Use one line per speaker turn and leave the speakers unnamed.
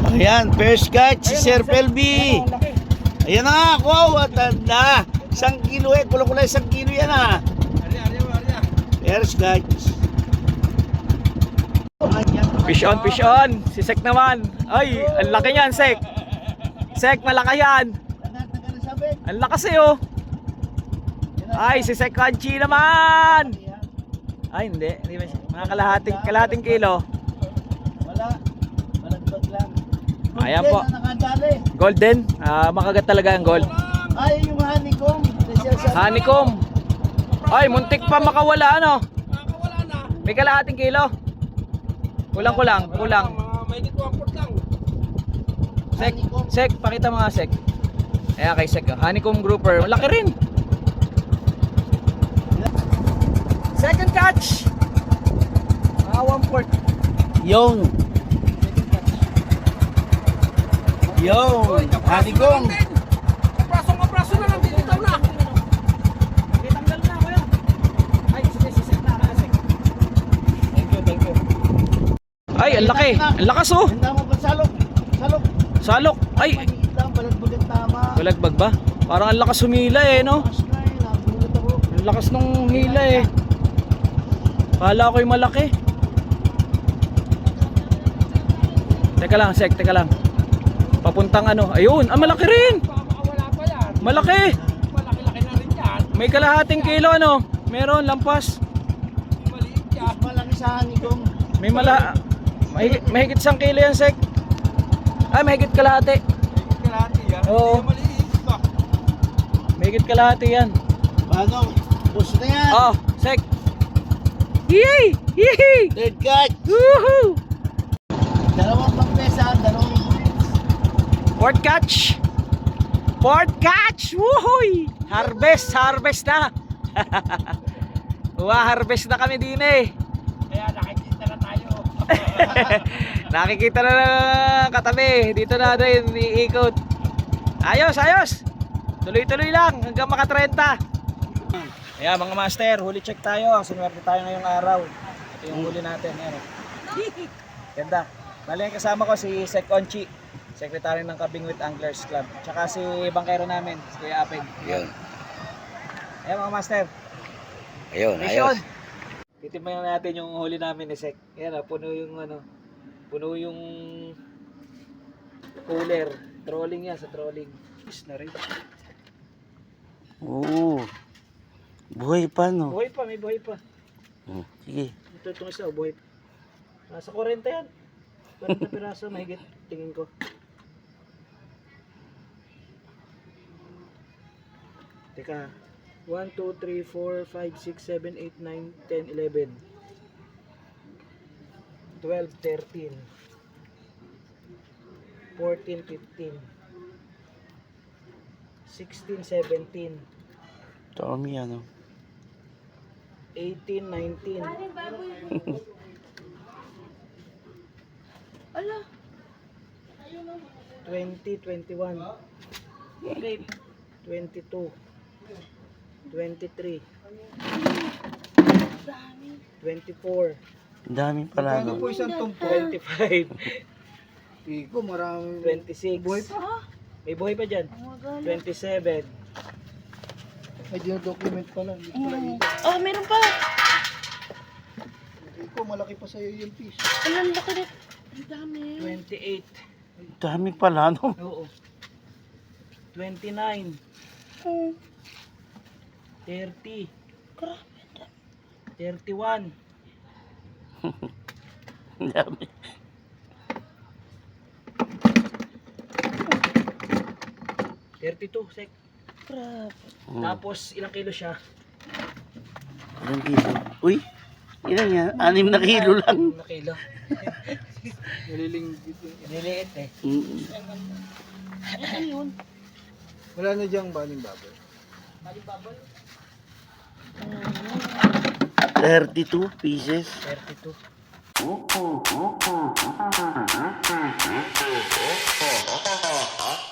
Ayan, first catch si Sir Pelby. Ayan na, wow, tanda. 1 kilo kulay 1 kilo yan First catch.
Fish on. Si Sek naman. Ay, ang laki niyan, Sek. Sek, malaki yan. Ang lakas Ay, si Sek Crunchy naman. Ay, hindi mga kalahating kilo.
Wala. Malagpag lang.
Ayan po. Golden. Makagat talaga ang gold.
Ay, yung honeycomb.
Honeycomb. Ay, muntik pa makawala May kalahating kilo. Kulang.
May dito ang port lang.
Sek, pakita mga Sek. Ayan kay Sek. Honeycomb grouper. Malaki rin. Second catch. 1 port.
Yung honeycomb.
Apraso na lang, bitaw na.
Tanggal na ako yun. Ay, sige, Sek na. Sek. Thank you. Ay, ang laki. Ang lakas
Handa mo pa salok.
Salok. Ay,
Maliit lang, balagbagang tama.
balagbag ba? Parang ang lakas humila no?
Nagulat ako.
Ang lakas nung hila Kala ko'y malaki. Teka lang, Sek, papuntang ayun, malaki rin.
Wala pa yan.
Malaki.
Malaki-laki na rin yan.
May kalahating kilo meron, lampas.
Maliit yan.
Malaki sa honeycomb.
May mahigit 1 kilo yan, Sek. Ay, mahigit kalahati.
Kalahati yan.
Oo.
Maliit ba?
Mahigit kalahati yan.
Bago, push na yan.
Sek. Yay!
Third catch.
Woohoo!
2 pagpesa, 2 bullets.
Fourth catch! Woohoo! Harvest na. Harvest na kami din
Kaya nakikita na tayo.
Nakikita na katabi. Dito na rin iikot. Ayos. Tuloy-tuloy lang hanggang maka 30. Ayan mga master, huli check tayo. Sinuwerte tayo ngayong araw. Ito yung huli natin. Ayan. Ganda. Bali, kasama ko si Sek Onchi, secretary ng Kabingwit Anglers Club. Tsaka si bangkero namin, si Kuya Apeg.
Ayun.
Ayan mga master.
Ayun,
Mission.
ayos.
Titimbang natin yung huli namin ni Sek. Ayan puno yung cooler. Trolling yan, sa trolling. Is na rin.
Oo. Buhay pa, no?
May buhay pa.
Sige.
Itong isa, buhay pa. Nasa 40 yan. 40 piraso, mahigit, tingin ko. Teka. 1, 2, 3, 4, 5, 6, 7, 8, 9, 10, 11 12, 13 14, 15 16, 17
Tommy,
18, 19
Ala.
20, 21 22 23 24
Ang dami pala,
Ano
no?
po isang tumpo?
25
Iko, marami.
26
Buhay
Ah,
may buhay pa dyan.
oh my God.
27
May dinodocument pala. Hindi ko pala iko.
Oh, meron pa.
Iko, malaki pa sa'yo yung fish.
Ang laki na. Ang dami.
28
Ang dami pala, no?
oo 29
Oh,
30
grabe.
31
Ang dami.
32 Sek.
Grabe.
Tapos ilang kilo siya?
Ilang kilo? Uy, ilan yan? 6 na kilo lang.
6 na kilo.
Nalilinggit yun.
Nililiit
Ano yun?
Wala na diyang baling baboy.
32 pieces.
32